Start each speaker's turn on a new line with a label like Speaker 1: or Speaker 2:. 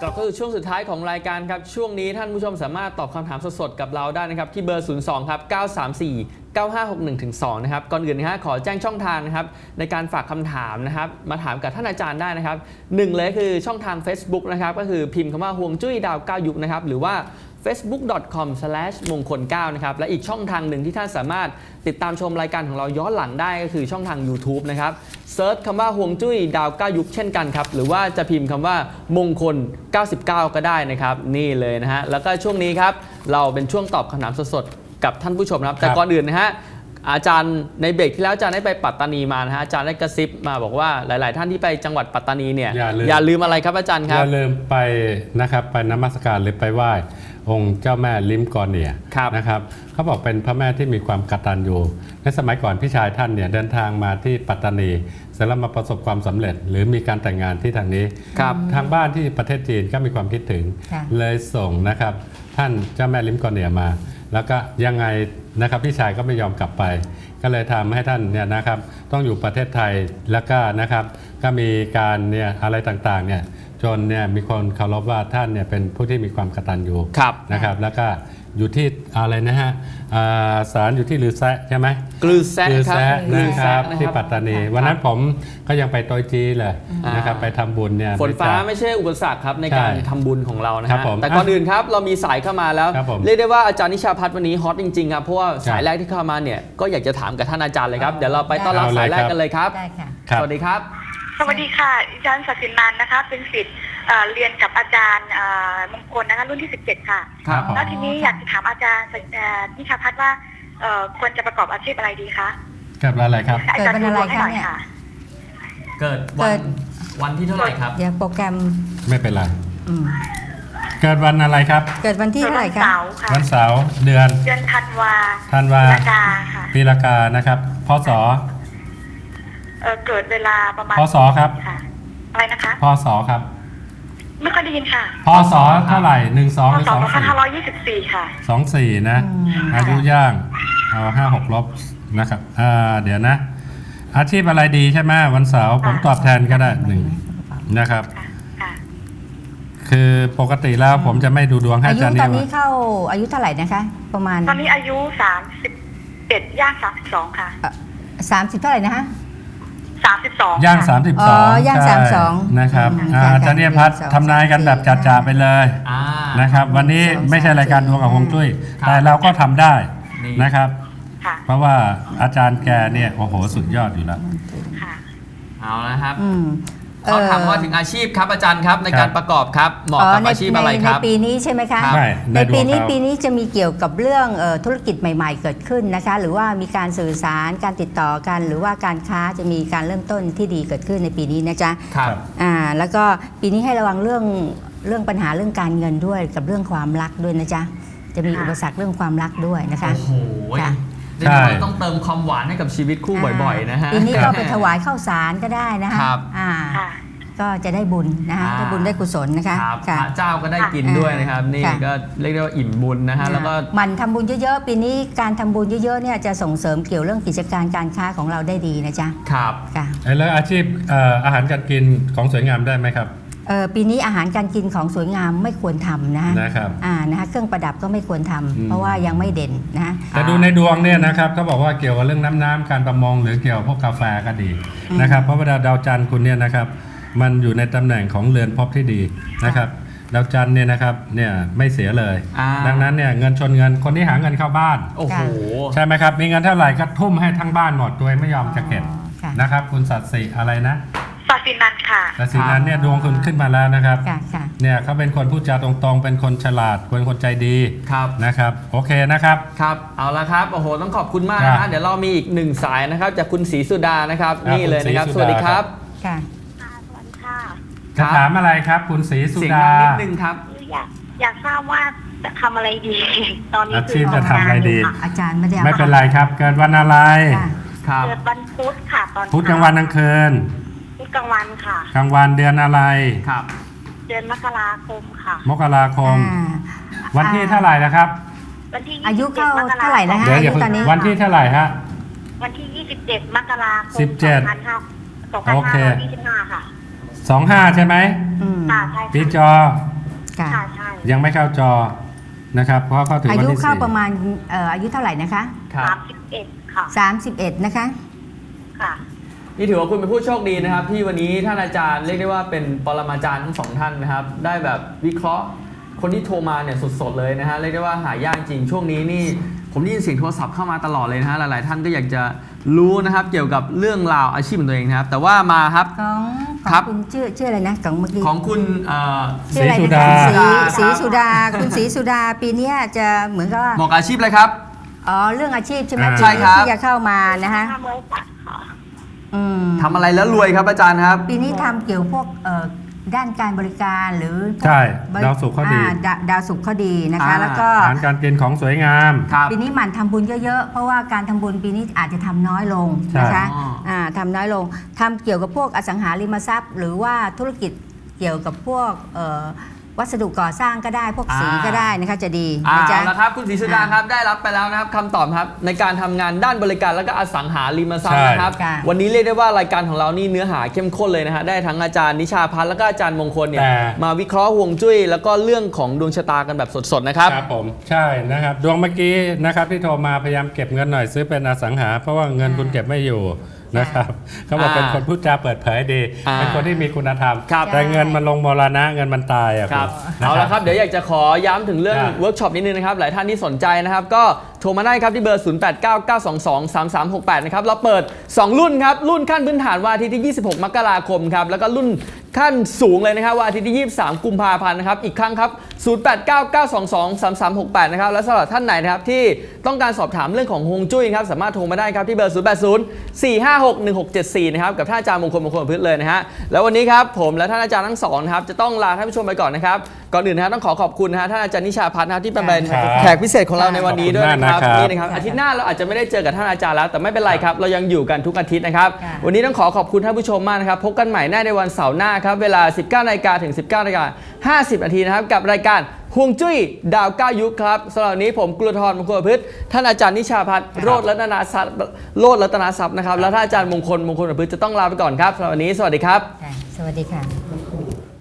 Speaker 1: กลับเข้าสู่ช่วงสุดท้ายของรายการครับช่วงนี้ท่านผู้ชมสามารถตอบคำถามสดๆกับเราได้นะครับที่เบอร์ 02 ครับ 934 9561-2 นะครับก่อนอื่นนะฮะขอแจ้งช่องทางนะครับในการฝากคำถามนะครับมาถามกับท่านอาจารย์ได้นะครับหนึ่งเลยคือช่องทาง Facebook นะครับก็คือพิมพ์คำว่าฮวงจุ้ยดาว9ยุคนะครับหรือว่า facebook.com/มงคล9นะครับและอีกช่องทางหนึ่งที่ท่านสามารถติดตามชมรายการของเราย้อนหลังได้ก็คือช่องทาง YouTube นะครับเซิร์ชคำว่าฮวงจุ้ยดาว9ยุคเช่นกันครับหรือว่าจะพิมพ์คำว่ามงคล99ก็ได้นะครับนี่เลยนะฮะแล้วก็ช่วงนี้ครับเราเป็นช่วงตอบคำถามสดๆกับท่านผู้ชมนะครับแต่ก่อนอื่นนะฮะอาจารย์ในเบรกที่แล้วอาจารย์ได้ไปปัตตานีมานะฮะอาจารย์ได้กระซิบมาบอกว่าหลายๆท่านที่ไปจังหวัดปัตตานีเนี่ยอย่าลืมอะไรครับอาจารย์ครับ
Speaker 2: อย่าลืมไปนะครับไปนมัสการหรือไปไหว้องค์เจ้าแม่ลิมกอเนียนะครับเขาบอกเป็นพระแม่ที่มีความกตัญญูในสมัยก่อนพี่ชายท่านเนี่ยเดินทางมาที่ปัตตานีเสร็จแล้วมาประสบความสำเร็จหรือมีการแต่งงานที่ทางนี้ทางบ้านที่ประเทศจีนก็มีความคิดถึงเลยส่งนะครับท่านเจ้าแม่ลิมกอเนียมาแล้วก็ยังไงนะครับพี่ชายก็ไม่ยอมกลับไปก็เลยทำให้ท่านเนี่ยนะครับต้องอยู่ประเทศไทยแล้วก็นะครับก็มีการเนี่ยอะไรต่างๆเนี่ยจนเนี่ยมีคนเคารพว่าท่านเนี่ยเป็นผู้ที่มีความกตัญญูนะครับแล้วก็อยู่ที่อะไรนะฮะศาลอยู่ที่ลือแซะใช่ไหม
Speaker 1: ลือแซะ
Speaker 2: นะครับที่ปัตตานีวันนั้นผมก็ยังไปโตยจีเลยนะครับไปทำบุญเนี่ย
Speaker 1: ฝนฟ้าไม่ใช่อุปสรรคครับในการทำบุญของเรานะฮะแต่ก่อนอื่นครับเรามีสายเข้ามาแล้วเรียกได้ว่าอาจารย์นิชาพัฒน์วันนี้ฮอตจริงๆครับเพราะว่าสายแรกที่เข้ามาเนี่ยก็อยากจะถามกับท่านอาจารย์เลยครับเดี๋ยวเราไปต้อนรับสายแรกกันเลยครับสวัสดีครับ
Speaker 3: สวัสดีค่ะอาจารย์ศักดิ์สินนันท์นะคะเป็นศิษย์เรียนกับอาจารย์มงคลนะคะรุ่นที่17ค่ะแล้วทีนี้อยากจะถามอาจารย์นิชาพัฒน์ว่าควรจะประกอบอาชีพอะไรดีคะ
Speaker 2: เกิดวันอะไรครับ
Speaker 3: อาจารย์ดูดวงให้หน่อยค่ะ
Speaker 1: เกิดวันที่เท่าไหร่ครับ
Speaker 4: เดี๋ยวโปรแกรม
Speaker 2: ไม่เป็นไรเกิดวันอะไรครับ
Speaker 4: เกิดวันที่เท่าไหร่ครับ
Speaker 2: วันเสาร์เดือน
Speaker 3: ธันวา
Speaker 2: ปีละกาค่ะปีละกานะครับพศ
Speaker 3: เกิดเวลาประมาณ
Speaker 2: พศครับ
Speaker 3: อะไรนะคะ
Speaker 2: พศครับ
Speaker 3: ไม่ค่อยได้ยินค่ะ
Speaker 2: พศเท่าไหร่12หรือ
Speaker 3: 2524ค่ะ
Speaker 2: 24นะอายุย่างเอา56ลบนะครับเดี๋ยวนะอาชีพอะไรดีใช่ไหมวันเสาร์ผมตอบแทนก็ได้1นะครับคือปกติแล้วผมจะไม่ดูดวงให้อาจารย์
Speaker 4: ตอนนี้เข้าอายุเท่าไหร่นะคะประมาณ
Speaker 3: ตอนนี้อายุ31ย่าง32ค่ะ
Speaker 4: 30เท่าไหร่นะคะ
Speaker 3: 32
Speaker 2: ย่าง32
Speaker 4: ย่าง32
Speaker 2: นะครับอาจารย์นิชาพัฒน์ทำนายกันแบบจ่าๆไปเลยนะครับวันนี้ไม่ใช่รายการดวงกับฮวงจุ้ยแต่เราก็ทำได้นะครับเพราะว่าอาจารย์แกเนี่ยโอ้โหสุดยอดอยู่แล้ว
Speaker 1: เอาละครับเขาถามว่าถึงอาชีพครับอาจารย์ครับในการประกอบครับเหมาะกับอาชีพอะไรครับ
Speaker 4: ในปีนี้ใช่ไหมคะในปีนี้จะมีเกี่ยวกับเรื่องธุรกิจใหม่ๆเกิดขึ้นนะคะหรือว่ามีการสื่อสารการติดต่อกันหรือว่าการค้าจะมีการเริ่มต้นที่ดีเกิดขึ้นในปีนี้นะจ๊ะ
Speaker 1: ครับ
Speaker 4: แล้วก็ปีนี้ให้ระวังเรื่องปัญหาเรื่องการเงินด้วยกับเรื่องความรักด้วยนะจ๊ะจะมีอุปสรรคเรื่องความรักด้วยนะคะ
Speaker 1: โอ้โหต้องเติมความหวานให้กับชีวิตคู่บ่อยๆนะฮะ
Speaker 4: ปีนี้ก็ไปถวายข้าวสารก็ได้นะคะก็จะได้บุญนะคะได้บุญได้กุศลนะคะ
Speaker 1: พระเจ้าก็ได้กินด้วยนะครับนี่ก็เรียกได้ว่าอิ่มบุญนะฮะแล้วก็
Speaker 4: มันทำบุญเยอะๆปีนี้การทำบุญเยอะๆเนี่ยจะส่งเสริมเกี่ยวเรื่องกิจการการค้าของเราได้ดีนะจ๊ะ
Speaker 1: ครับ
Speaker 4: ค่ะ
Speaker 2: แล้วอาชีพอาหารการกินของสวยงามได้ไหมครับ
Speaker 4: ปีนี้อาหารการกินของสวยงามไม่ควรทำ
Speaker 2: นะครับ
Speaker 4: นะคะเครื่องประดับก็ไม่ควรทำเพราะว่ายังไม่เด่นนะ
Speaker 2: แต่ดูในดวงเนี่ยนะครับเขาบอกว่าเกี่ยวกับเรื่องน้ำการประมงหรือเกี่ยวกับพวกกาแฟก็ดีนะครับเพราะว่าดาวจันทร์คุณเนี่ยนะครับมันอยู่ในตำแหน่งของเรือนภพที่ดีนะครับดาวจันทร์เนี่ยนะครับเนี่ยไม่เสียเลยดังนั้นเนี่ยเงินชนเงินคนที่หาเงินเข้าบ้าน
Speaker 1: โอ้โห
Speaker 2: ใช่ไหมครับมีเงินเท่าไหร่ก็ทุ่มให้ทั้งบ้านหมดโดยไม่ยอมจะเก็บนะครับคุณศักดิ์ศรีอะไรนะ
Speaker 3: ศักดิ์ศรีนันท์ค่ะ
Speaker 2: ศักดิ์ศรีนันท์เนี่ยดวงคุณขึ้นมาแล้วนะครับเนี่ยเขาเป็นคนพูดจาตรงๆเป็นคนฉลาดเป็นคนใจดีนะครับโอเคนะครับ
Speaker 1: ครับเอาละครับโอ้โหต้องขอบคุณมากนะเดี๋ยวเรามีอีก1สายนะครับจากคุณศรีสุดานะครับนี่เลยนะครับสวัสดีครับ
Speaker 4: ค่ะ
Speaker 3: สวัสดีค่ะ
Speaker 2: จะถามอะไรครับคุณศรีสุดา
Speaker 1: นิดนึงครับ
Speaker 3: อยากทราบว่าจะทำอะไรดีตอนนี้
Speaker 2: อาชีพจะทำอะไรดี
Speaker 4: อาจารย์
Speaker 2: ไม่เป็นไรครับเกิดวันอะไร
Speaker 3: เกิดวันพุธค่ะตอน
Speaker 2: พุธกลางวันกลางคืน
Speaker 3: พุธกลางวันค่ะ
Speaker 2: กลางวันเดือนอะไร
Speaker 1: ครับ
Speaker 3: เดือนมกราคมค่ะ
Speaker 2: มกราคมวันที่เท่าไหร่นะครับ
Speaker 3: วันที่
Speaker 4: อายุเข้าเท่าไหร่แล้วฮะ
Speaker 2: ตอนนี้วันที่เท่าไหร่ฮะ
Speaker 3: วันที่27มกราคม
Speaker 2: โอเค
Speaker 3: 2525ค่ะ
Speaker 2: 25ใช่ไหม
Speaker 3: ใช่
Speaker 2: ปีจอ
Speaker 4: ค่ะ
Speaker 3: ค่ะใช่
Speaker 2: ยังไม่เข้าจอนะครับเพราะเข้าถึง
Speaker 4: อา
Speaker 2: วัน
Speaker 4: ยุ
Speaker 2: ที่
Speaker 4: เข้า
Speaker 2: 4
Speaker 4: ประมาณอายุเท่าไหร่นะคะ
Speaker 1: ครับ
Speaker 3: 31 ค่ะ
Speaker 4: 31 นะคะ
Speaker 3: ค่ะ
Speaker 1: นี่ถือว่าคุณเป็นผู้โชคดีนะครับที่วันนี้ท่านอาจารย์เรียกได้ว่าเป็นปรมาจารย์ทั้งสองท่านนะครับได้แบบวิเคราะห์คนที่โทรมาเนี่ยสดๆเลยนะฮะเรียกได้ว่าหายากจริงช่วงนี้นี่ผมได้ยินเสียงโทรศัพท์เข้ามาตลอดเลยนะฮะหลายๆท่านก็อยากจะรู้นะครับเกี่ยวกับเรื่องราวอาชีพของตัวเองนะครับแต่ว่ามาครับ
Speaker 4: ของ
Speaker 1: ครับ
Speaker 4: คุณชื่ออะไรนะของเมื่อกี้
Speaker 1: ของคุณ
Speaker 4: ชื่ออะไร
Speaker 2: ศรีสุ
Speaker 4: นะ
Speaker 2: ดา
Speaker 4: คะศรีสุดาคุณศรีสุดาปีเนี้ยจะเหมือนกับว่า
Speaker 1: บอกอาชีพเลยครับ
Speaker 4: อ๋อเรื่องอาชีพใช่ไหม
Speaker 2: อ่า
Speaker 1: ใช่ครับ
Speaker 4: ที่จะเข้ามานะคะ
Speaker 3: ทำบริษัทค่ะ
Speaker 4: อืม
Speaker 1: ทำอะไรแล้วรวยครับอาจารย์ครับ
Speaker 4: ปีนี้ทำเกี่ยวพวกด้านการบริการหรือ
Speaker 2: ใช่
Speaker 4: บริ
Speaker 2: ดาวศุกร์เขาดี
Speaker 4: ดาวศุกร์เขาดีนะคะ
Speaker 1: อ่า
Speaker 4: แล้วก็
Speaker 2: อาหารการกินของสวยงาม
Speaker 1: ครับ
Speaker 4: ปีนี้หมั่นทำบุญเยอะๆ เพราะว่าการทำบุญปีนี้อาจจะทำน้อยลงนะคะ
Speaker 1: ใช่
Speaker 4: ทำน้อยลงทำเกี่ยวกับพวกอสังหาริมทรัพย์ หรือว่าธุรกิจเกี่ยวกับพวกวัสดุก่อสร้างก็ได้ พวกสีก็ได้นะคะจะดีนะจ๊ะ
Speaker 1: เอาละครับคุณศรีสุดาครับได้รับไปแล้วนะครับคำตอบครับในการทำงานด้านบริการและก็อสังหาริมทรัพย์
Speaker 2: ใช่
Speaker 1: นะครับ
Speaker 4: ค่ะ
Speaker 1: วันนี้เรียกได้ว่ารายการของเรานี่เนื้อหาเข้มข้นเลยนะฮะได้ทั้งอาจารย์นิชาพัฒน์แล้วก็อาจารย์มงคลเนี่ย
Speaker 2: แต่
Speaker 1: มาวิเคราะห์ฮวงจุ้ยแล้วก็เรื่องของดวงชะตากันแบบสดๆนะครับ
Speaker 2: ครับผมใช่นะครับดวงเมื่อกี้นะครับที่โทรมาพยายามเก็บเงินหน่อยซื้อเป็นอสังหา เพราะว่าเงินคุณเก็บไม่อยู่นะครับเขาบอกเป็นคนพูดจาเปิดเผยดี เป็นคนที่มีคุณธรรม
Speaker 1: ครับ
Speaker 2: แต่เงินมันลงมรณะเงินมันตายอ่ะ
Speaker 1: ครับ
Speaker 2: ณนะ
Speaker 1: เอาละครับเดี๋ยวอยากจะขอย้ำถึงเรื่อง
Speaker 2: ครับ
Speaker 1: เวิร์กช็อปนิดนึงนะครับหลายท่านที่สนใจนะครับก็โทรมาได้ครับที่เบอร์ 0899223368 นะครับเราเปิด 2 รุ่นครับรุ่นขั้นพื้นฐานวันอาทิตย์ที่ 26 มกราคมครับแล้วก็รุ่นขั้นสูงเลยนะครับวันอาทิตย์ที่ 23 กุมภาพันธ์นะครับอีกครั้งครับ 0899223368 นะครับและสำหรับท่านไหนนะครับที่ต้องการสอบถามเรื่องของฮวงจุ้ยครับสามารถโทรมาได้ครับที่เบอร์ 0804561674 นะครับกับท่านอาจารย์มงคลพืชเลยนะฮะแล้ววันนี้ครับผมและท่านอาจารย์ทั้งสองนะครับจะต้องลาท่านผู้ชมไปก่อนนะครับก่อนอื่นนะฮะต้องขอบคุณนะฮะท่านอาจารย์นิชาพัฒน์นะครับที่เป็น
Speaker 2: ครับ
Speaker 1: แขกพิเศษของเราในวันนี้ด้วยนะครับ
Speaker 2: ขอบคุณมากนะครับ
Speaker 1: นี่นะครับอาทิตย์หน้าเราอาจจะไม่ได้เจอกับท่านอาจารย์แล้วแต่ไม่เป็นไรครับเรายังอยู่กันทุกอาทิตย์นะครับ
Speaker 4: ค่ะ
Speaker 1: วันนี้ต้องขอบคุณท่านผู้ชมมากนะครับพบกันใหม่ในวันเสาร์หน้าครับเวลา 19 นาฬิกาถึง 19 นาฬิกา 50 นาทีนะครับกับรายการฮวงจุ้ยดาว9ยุคครับสำหรับวันนี้ผมกุลธรมงคลประพฤติท่านอาจารย์นิชาพัฒน์โรจน์รัตนทรัพย์นะครับแล้วท่านอาจารย์มงคลประพฤติจะต้องลาไปก่อนครับสำหรับวันนี้สวัสดีครับ
Speaker 4: ค่ะสวัสดีค่ะ